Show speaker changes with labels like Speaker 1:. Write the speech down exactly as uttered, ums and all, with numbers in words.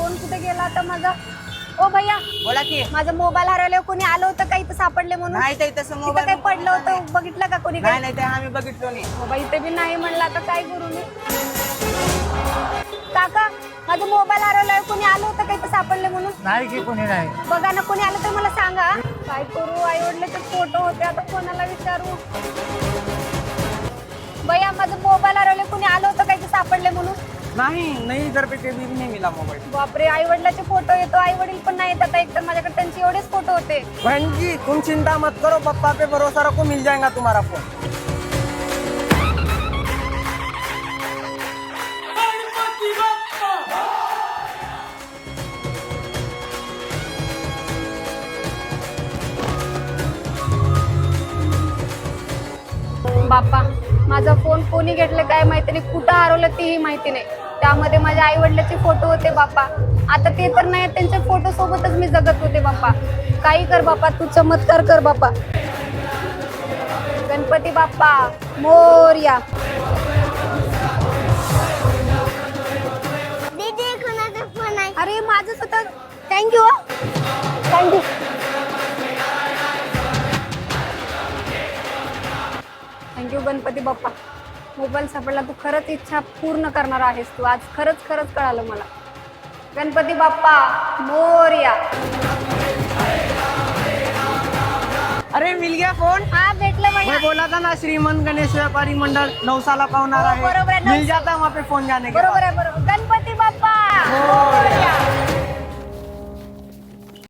Speaker 1: Phone कुठे गेला आता माझा? ओ भैया
Speaker 2: बोला की.
Speaker 1: माझा मोबाईल हरवल्यावर कोणी आलं होतं का इथं सापडले म्हणून?
Speaker 2: नाही ताई तसं
Speaker 1: इथं
Speaker 2: मोबाईल
Speaker 1: काही पडलं होतं बघितलं का कोणी?
Speaker 2: नाही नाही ते आम्ही बघितलो नाही.
Speaker 1: मोबाईल इथे बी नाही म्हणलं, आता काय करू मी? काका माझा मोबाईल हरवल्यावर कोणी आलं होतं का इथं सापडले म्हणून?
Speaker 3: नाही की कोणी नाही.
Speaker 1: बघा ना, कोणी आलं तर मला सांगा. काय करू? आई वडिलांचे फोटो होते, आता कोणाला विचारू? भैया माझा मोबाईल हरवले, कोणी आलं होतं का इथं सापडले म्हणून?
Speaker 2: नहीं नहीं इधर पे कभी भी नहीं मिला मोबाइल.
Speaker 1: बापरे, आई वडिलाचे फोटो येतो, आई वडील पण नाही येत आता. एक तर माझ्याकडे त्यांचे एवढेच फोटो होते.
Speaker 2: बहन जी तुम चिंता मत करो, पप्पा पे भरोसा रखो, मिल जाएगा तुम्हारा फोन.
Speaker 1: बाप्पा माझा फोन कोणी घेतलं काय माहिती नाही, कुठं हरवलं तेही माहिती नाही. त्यामध्ये माझ्या आई वडिलाचे फोटो होते बाप्पा. आता ते तर नाही, त्यांच्या फोटो सोबतच मी जगत होते बाप्पा. काही कर बाप्पा, तू चमत्कार कर बाप्पा. गणपती बाप्पा मोरया.
Speaker 4: दीदी कोणाचा फोन आहे?
Speaker 1: अरे माझंच होतं. Thank you thank you. Thank you Ganpati Bappa. Mobile सापडला, तू खरंच इच्छा पूर्ण करणार आहेस तू. आज खरंच खरंच कळालं मला. गणपती बाप्पा मोरया.
Speaker 2: अरे मिल गया फोन.
Speaker 1: हा भेटलं भैया.
Speaker 2: मैं बोला था ना श्रीमंत गणेश व्यापारी मंडल नौसाला पाहुणार
Speaker 1: हो, बरोबर आहे,
Speaker 2: आहे, मिल जाता वहाँ पे फोन जाने के
Speaker 1: बरोबर
Speaker 2: बाद.
Speaker 1: आहे बरोबर. गणपती बाप्पा
Speaker 2: मोरया.